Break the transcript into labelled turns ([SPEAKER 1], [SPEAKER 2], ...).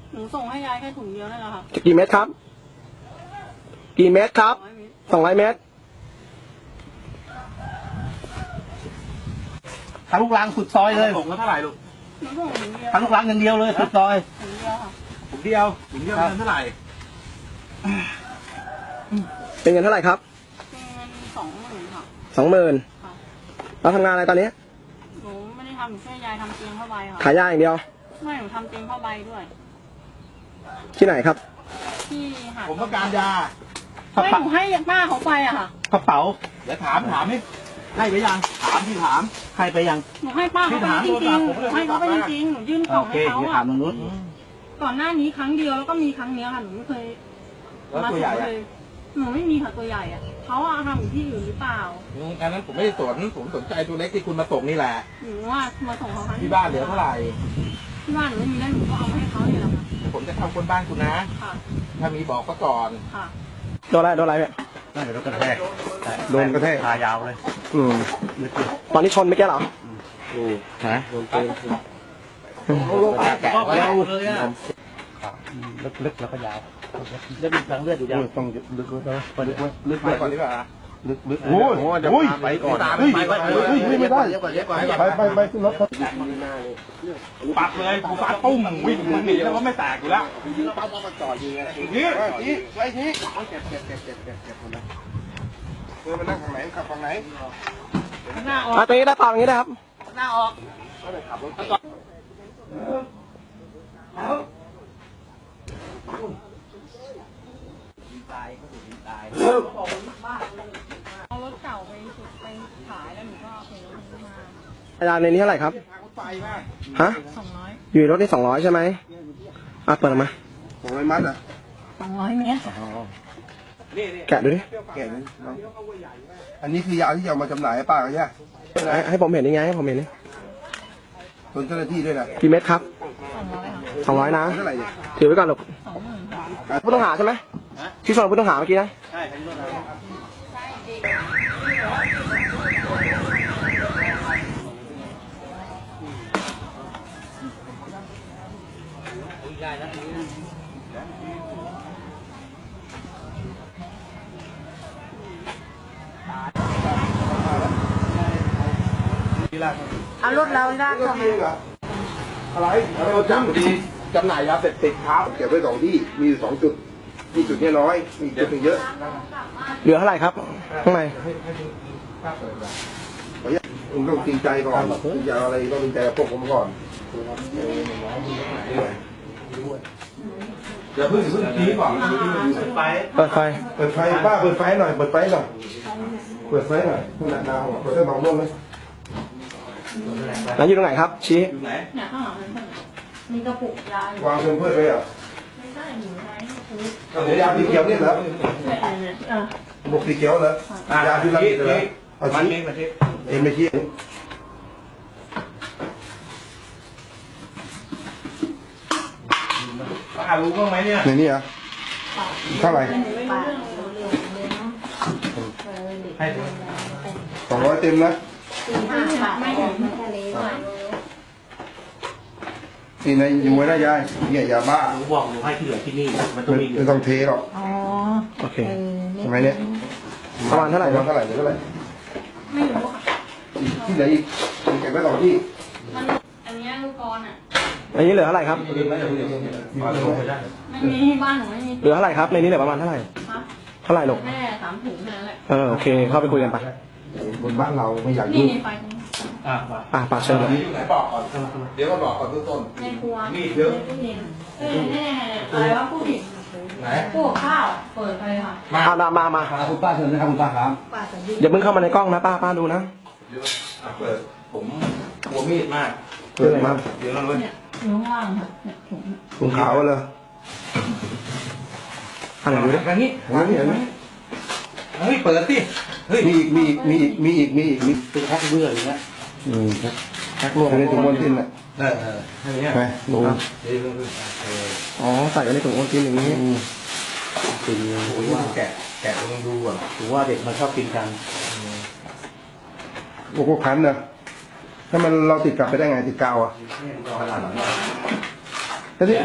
[SPEAKER 1] หนูส่งให้ยายแค่ถุงเดียวนั่นแหละค่ะ
[SPEAKER 2] กี่เม็ดครับกี่เม็ดครับ200 เม็ด
[SPEAKER 3] ทางลูกรังสุดซอยเลยผมก็เท่าไหร่ลูกทางลูกรังอย่างเดียวเลยสุดซอย
[SPEAKER 1] ถุงเดียวค่ะ
[SPEAKER 3] ถุงเดียวเงินเท่าไหร่
[SPEAKER 2] เป็นเงินเท่าไหร่ครับ
[SPEAKER 1] เป็นเงิน20,000ค่ะ
[SPEAKER 2] 20,000เราทำงานอะไรตอนนี้
[SPEAKER 1] หนูไม่ได้ทำหนูช่วยยายทำเตียงผ้าใบค่ะ
[SPEAKER 2] ขายยาอย่างเดียว
[SPEAKER 1] ไม่หนูทำเตียงผ้าใบด้วย
[SPEAKER 2] ที่ไหนครับ
[SPEAKER 1] ที่หาด
[SPEAKER 3] ผมต้องการยา
[SPEAKER 1] ไม่หนูให้ป้าเขาไปอะค่ะ
[SPEAKER 3] กระเป๋าเดี๋ยวถามนี่ให้ไปยังถามให้ไปยัง
[SPEAKER 1] หนูให้ป้าเขาไปจริงๆหนูให้เขาไปจริงๆหนูยื่นของให้เขาอะก่อนหน้านี้ครั้งเดียวแล้วก็มีครั้งนี้ค่ะหนูไม่เคยมาส่งเลยหนูไม่มีค่ะตัวใหญ่อะเขาเอาทำอยู่ที่อื่นหรือเปล่า
[SPEAKER 3] อันนั้นผมไม่ได้สนผมสนใจตัวเล็กที่คุณมาส่งนี่แหละ
[SPEAKER 1] หนูว่ามาส่งเขา
[SPEAKER 3] ที่บ้านเหลือเท่าไหร่
[SPEAKER 1] ที่บ้านหนูไม่มีแล้วหนูก็เอาให้เขาเนี่ยแหละค่ะ
[SPEAKER 3] ผมจะทำคนบ้านคุณนะถ้ามีบอกก็ก่อน
[SPEAKER 1] ค่ะ
[SPEAKER 2] โดนอะไรเนี่ย
[SPEAKER 3] น่าจะโดนกระแทกพายาวเลย
[SPEAKER 2] ตอนนี้ชนไม่แก้หรอ
[SPEAKER 3] ฮะโดนปืนแกะยาวเลยอ่ะลึกแล้วก็ยาวแล้วมีทางเลือดอยู่ยาวต้องลึกลึกก่อนดีกว่าลึกโอ้ยไปก่อนไม่ได้ไปขึ้นรถปัดเลยกูฟาดตุ้มวิ่งหนีแล้วก็ไม่แตกอยู่แล้วปั๊บมาจ่อยิงไงนี่ไว้ที่เก็บคนละมันนั่งทางไหนขับทางไหน
[SPEAKER 1] หน้าออก
[SPEAKER 2] ตรงนี้ได้เปล่าอย่างนี้นะครับ
[SPEAKER 1] หน้าออก
[SPEAKER 3] ขับรถ
[SPEAKER 1] เอารถเก่าไปขายแล้วหนูก็เอาไปรถนี้มา
[SPEAKER 2] อาจารย์ในนี้เท่าไหร่ครับฮะ
[SPEAKER 1] 200
[SPEAKER 2] อยู่รถนี่200ใช่ไหมเปิดออกมา
[SPEAKER 3] 200 มัดอ่ะ
[SPEAKER 1] 200 เมตร
[SPEAKER 2] แกะดูดิ
[SPEAKER 3] แกะนี่อันนี้คือยาที่จะเอามาจำหน่ายให้ป้าเขาใช่ไหม
[SPEAKER 2] ให้ผมเห็นยังไงให้ผมเห็นนี่
[SPEAKER 3] ส่วนเจ้าหน้าที่ด้วยนะ
[SPEAKER 2] กี่เม็ดครับ200นะถือไว้ก่อนลูกผู้ต้องหาใช่ไหมที่ส่งผู้ต้องหาเมื่อกี้นะ
[SPEAKER 3] ใช่ผู้ต้องหา
[SPEAKER 1] เอารถเราได้เข้ามา
[SPEAKER 3] อะไรเราจำหน่ายยาเสพติดครับเก็บไว้2 ที่มี2 จุดที่จุดนี้น้อยมีจุดนึงเยอะ
[SPEAKER 2] เหลือเท่าไหร่ครับข้างใน
[SPEAKER 3] คุณต้องจริงใจก่อนอย่าอะไรต้องจริงใจกับพวกผมก่อนอย่าเพิ่งตีก่อน
[SPEAKER 2] เปิดไฟ
[SPEAKER 3] บ้าเปิดไฟหน่อยเปิดไฟหน่อยขนาดดาวเปิดได้บางร่วงไหม
[SPEAKER 2] แล้วอยู่ตรงไหนครับชี้
[SPEAKER 1] เนี่ยข้างหลังมีกระปุกยาว
[SPEAKER 3] างเพิ่มไว้เหรอ
[SPEAKER 1] ไม่ใช่หนูไว้
[SPEAKER 3] เดี๋ยวยาสีเขียวนี่เหรอบุกสีเขียวเหรอยาที่เราเหรอเอาชี้ไม่ชี้ป้ารู้บ้างไหมเนี่ยในนี้อ่ะเท่าไหร่ให้200 เต็มนะนี่ในอยู่ไว้ได้ยายเนี่ยยาบ้า
[SPEAKER 4] หนูบอกหนูให้ที่เหลือที่นี่มัน
[SPEAKER 3] ต้องเทหรอก
[SPEAKER 2] โอเค
[SPEAKER 3] ใช่ไหมเนี่ย
[SPEAKER 2] ประมาณเท่าไหร่
[SPEAKER 3] เหลือเท่าไหร่
[SPEAKER 1] ไม่รู้ค่ะ
[SPEAKER 3] ที่เหลืออีกเก็บไว้2 ที่
[SPEAKER 1] อันนี้ลูกกรอ่ะ
[SPEAKER 2] อันนี้เหลือเท่าไหร่ครับ
[SPEAKER 1] ไม่มีบ้านหนูไม่มี
[SPEAKER 2] เหลือเท่าไหร่ครับในนี้เหลือประมาณเท่าไหร่เท่าไหร่ลูก
[SPEAKER 1] แค่3 ถุงแค่นั้นแหละ
[SPEAKER 2] โอเคเข้าไปคุยกันไป
[SPEAKER 3] คนบ้านเราไม่อยากยุ่ง
[SPEAKER 2] ปากเชิญเลย
[SPEAKER 3] บอกก่อนเดี๋ยวก็บอกก่อนต้น
[SPEAKER 1] ในครัว
[SPEAKER 3] นี่เยอะ
[SPEAKER 1] อะไรวะผู้หญิง
[SPEAKER 3] ไหน
[SPEAKER 1] พวกข้าวเปิดไปค่ะ
[SPEAKER 2] มา
[SPEAKER 3] คุณป้าเชิญนะครับคุณป้าครับ
[SPEAKER 2] อย่าเพิ่งเข้ามาในกล้องนะป้าดูนะ
[SPEAKER 3] เปิดผมกลัวมีดมาก
[SPEAKER 2] เปิดมา
[SPEAKER 3] เดี๋ยวเราเลย
[SPEAKER 1] อยู่ข้างล่างค่ะ
[SPEAKER 3] ถุงขาวเลย
[SPEAKER 2] อะไรดูดิ
[SPEAKER 3] นี่เฮ้ยเปิดสิเฮ้ยมีอีก
[SPEAKER 4] เป็นแพ็คเบื่ออย่างเงี้ย
[SPEAKER 3] แพ็ครวมในถุงบนทิ้นอ่ะ
[SPEAKER 2] ไปดูใส่ไว้ในถุงบนทิ้นอย่างนี้
[SPEAKER 4] จริง
[SPEAKER 3] ว่าแกะลองดูอ่ะ
[SPEAKER 4] ถือว่าเด็กมันชอบกินกัน
[SPEAKER 3] พวกพันนะถ้ามันเราติดกลับไปได้ไงติดกาวอ่ะ